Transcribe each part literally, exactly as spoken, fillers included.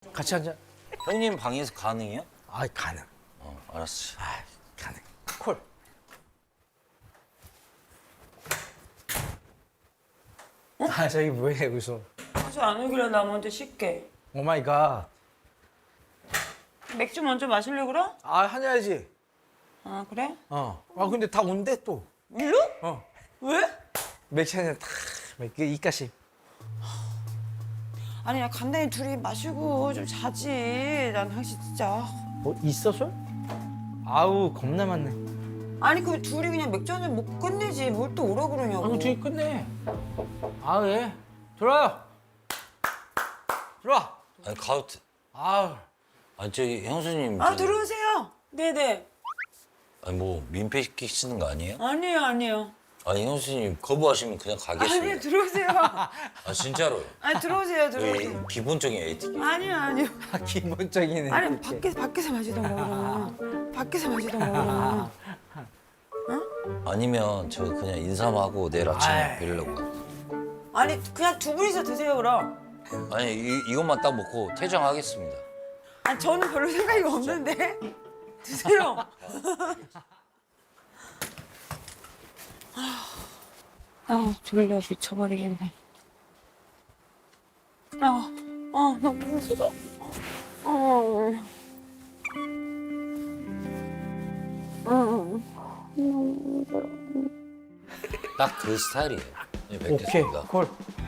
같이 앉아. 형님 방에서 가능해요? 아, 가능. 어, 알았어. 아, 가능. 콜. 아, 저기 뭐해 여기서? 하지 안 오길래 나 먼저 쉴게. 오 마이 갓. 맥주 먼저 마실래 그래? 아, 한야지. 아 그래? 어. 아, 근데 다 온대 또. 일로? 어. 왜? 맥주 한잔 탁. 맥주 이까씩. 아니 야 간단히 둘이 마시고 좀 자지. 난 당신 진짜. 뭐 있어 술? 아우, 겁나 많네. 아니 그 둘이 그냥 맥주 한잔 못 끝내지. 뭘 또 오라 그러냐고. 아이고, 뒤에 끝내. 아, 예. 들어와요. 들어와. 아니 가도 돼. 아우. 아니 저기 형수님. 아 저기- 들어오세요. 네네. 아니 뭐 민폐 시키시는 거 아니에요? 아니에요 아니에요. 아니 형수님 거부하시면 그냥 가겠습니다. 아니요 들어오세요. 아 진짜로요. 아니 들어오세요 여기 들어오세요. 기본적인 에티켓. 아니요 아니요. 아, 기본적인. 아니 이렇게. 밖에 밖에서 마시던가 그러면. 밖에서 마시던가 그러면. 아니면 저 그냥 인사만 하고 내일 아침에 아이. 뵈려고. 아니 그냥 두 분이서 드세요 그럼. 아니 이, 이것만 딱 먹고 퇴장하겠습니다. 아니 저는 별로 생각이 없는데. 드세요. 아 졸려 미쳐버리겠네. 아, 아 너무 힘들어. 어. 어. 딱 그 스타일이에요. 네, 오케이. 뵙겠습니다. 콜.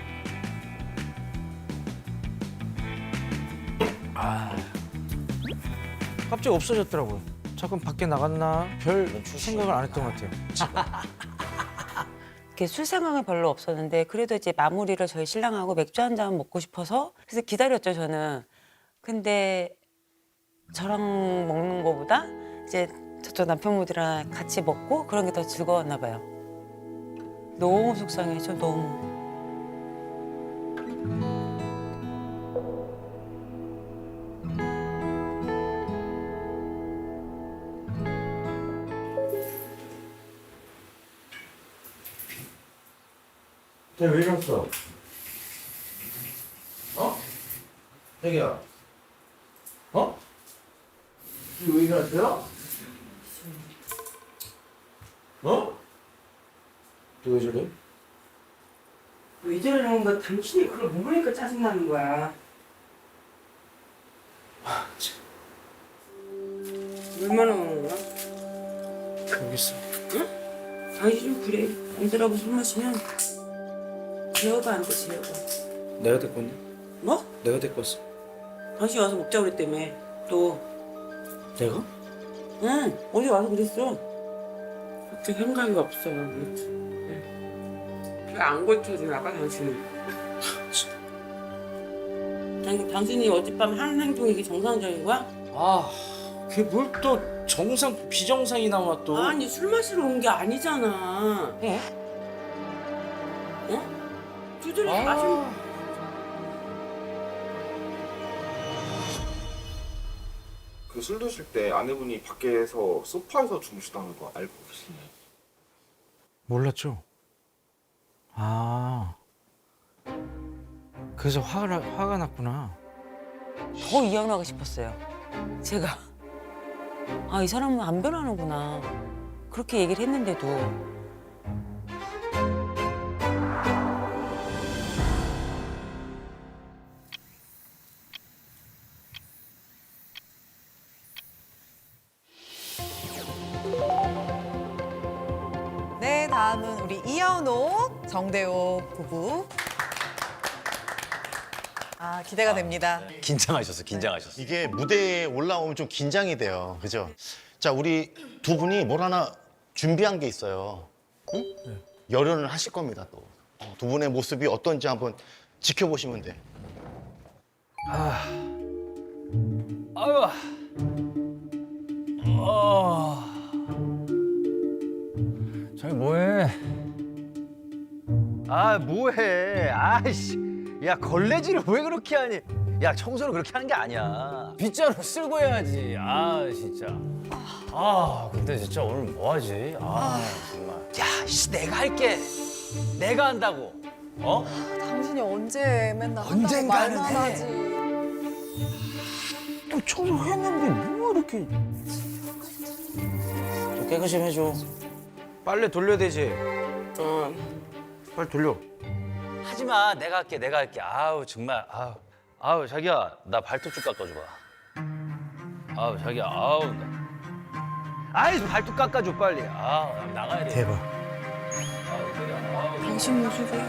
아. 갑자기 없어졌더라고요. 잠깐 밖에 나갔나? 별 생각을 안 했던 것 같아요. 이렇게 술 생각은 별로 없었는데 그래도 이제 마무리를 저희 신랑하고 맥주 한 잔 먹고 싶어서 그래서 기다렸죠 저는. 근데 저랑 먹는 거보다 이제 저쪽 남편분들이랑 같이 먹고 그런 게 더 즐거웠나 봐요. 너무 속상해져 너무. 쟤왜 이랬어? 어? 자기야. 어? 왜 이랬어요? 어? 너 왜 저래? 왜 저러는 거 당신이 그걸 모르니까 짜증나는 거야. 얼마나 오는 거야? 모르겠어. 당신 좀 그래. 남들하고 술 마시면 제어가 안 돼, 제어가. 내가 데리고 왔냐? 뭐? 내가 데리고 왔어. 당신 와서 먹자고 그랬다며. 또. 내가? 응, 어제 와서 그랬어. 그렇게 생각이 없어. 왜안 고쳐주나 봐, 당신은. 당, 당신이 어젯밤 한 행동이 이게 정상적인 거야? 아, 그게 뭘 또 정상, 비정상이 나와 또. 아니, 술 마시러 온 게 아니잖아. 어? 어? 두드려 아. 마시면. 그 술 드실 때 아내분이 밖에서 소파에서 주무시다는 거 알고 계시나요? 몰랐죠? 아. 그래서 화가, 나- 화가 났구나. 더 이혼하고 싶었어요. 제가. 아, 이 사람은 안 변하는구나. 그렇게 얘기를 했는데도. 네, 다음은 우리 이현옥, 정대호 부부. 아, 기대가 됩니다. 긴장하셨어, 긴장하셨어. 이게 무대에 올라오면 좀 긴장이 돼요. 그죠? 자, 우리 두 분이 뭘 하나 준비한 게 있어요. 응? 열연을 하실 겁니다, 또. 어, 두 분의 모습이 어떤지 한번 지켜보시면 돼. 아유. 어. 저기 뭐해? 아, 뭐해? 아이씨. 야, 걸레질을 왜 그렇게 하니? 야, 청소를 그렇게 하는 게 아니야. 빗자루 쓸고 해야지. 아, 진짜. 아, 근데 진짜 오늘 뭐 하지? 아, 정말. 야, 씨, 내가 할게. 내가 한다고. 어? 당신이 언제 맨날 한다고 언젠가는 말만 해. 하지. 청소했는데 뭐 이렇게 좀 깨끗이 좀 해줘. 빨래 돌려야 되지. 어. 빨리 돌려. 하지 마. 내가 할게. 내가 할게. 아우 정말. 아우. 아우 자기야 나 발톱 좀 깎아줘봐. 아우 자기야. 아우 나. 아이 발톱 깎아줘 빨리. 아우 나 나가야 돼. 대박. 아우 자기야. 아우. 당신 모습이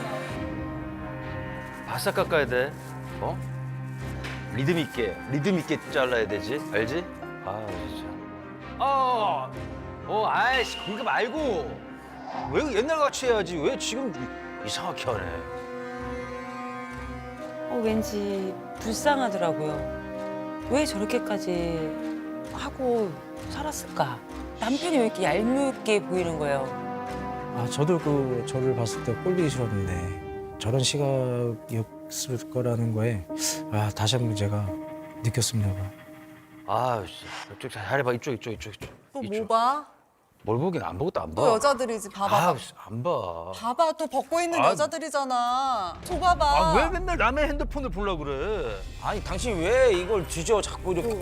바싹 깎아야 돼. 어? 리듬 있게, 리듬 있게 잘라야 되지. 알지? 아 진짜. 어, 어, 아이씨 그거 말고 왜 옛날 같이 해야지. 왜 지금 이상하게 하네. 어, 왠지 불쌍하더라고요. 왜 저렇게까지 하고 살았을까? 남편이 왜 이렇게 얄밉게 보이는 거예요? 아 저도 그 저를 봤을 때 꼴보기 싫었는데 저런 시각이었을 거라는 거에 아 다시 한번 제가 느꼈습니다. 아, 씨. 이쪽 잘해봐. 이쪽, 이쪽, 이쪽, 이쪽. 또 뭐 이쪽. 봐? 뭘 보긴 안 보고 또 안 봐. 또 여자들이지 봐봐. 아, 씨, 안 봐. 봐봐 또 벗고 있는 아, 여자들이잖아. 줘봐봐. 아, 왜 맨날 남의 핸드폰을 보려고 그래? 아니 당신 왜 이걸 뒤져 자꾸 이렇게.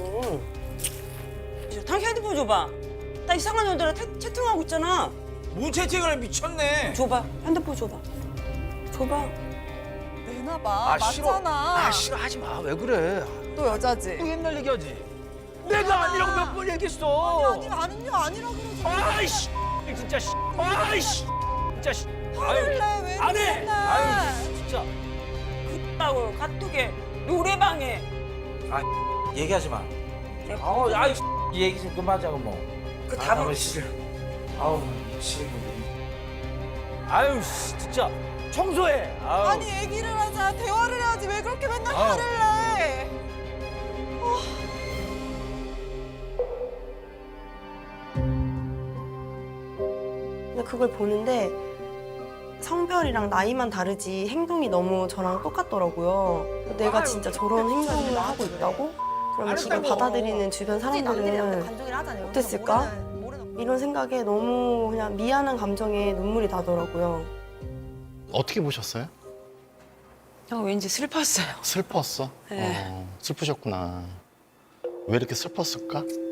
당신 핸드폰 줘봐. 나 이상한 여자랑 태- 채팅하고 있잖아. 뭔 채팅을 해, 미쳤네. 줘봐. 핸드폰 줘봐. 줘봐. 내놔봐. 아, 싫어. 맞잖아. 아, 싫어. 하지 마. 왜 그래? 또 여자지. 또 옛날 얘기하지. 내가 아니라고 몇 번 얘기했어. 아니 아니요 아니라 그러지. 아이씨. 진짜 씨. 아이씨. 진짜 씨. 화를 내. 왜 안 해. 맨날. 아유, 진짜. 그따고 카톡에 노래방에. 얘기하지 마. 아우 아이 이 얘기 좀 그만하자고 뭐. 그 아, 답은 나 싫어. 아우 미치겠네. 아유, 씨, 진짜. 청소해. 아유. 아니 얘기를 하자. 대화를 해야지. 왜 그렇게 맨날 아우. 화를 내? 근데 그걸 보는데 성별이랑 나이만 다르지 행동이 너무 저랑 똑같더라고요. 내가 진짜 저런 행동을 하고 있다고? 그럼 이걸 받아들이는 주변 사람들은 어땠을까? 이런 생각에 너무 그냥 미안한 감정에 눈물이 나더라고요. 어떻게 보셨어요? 어, 왠지 슬펐어요. 슬펐어? 네. 어, 슬프셨구나. 왜 이렇게 슬펐을까?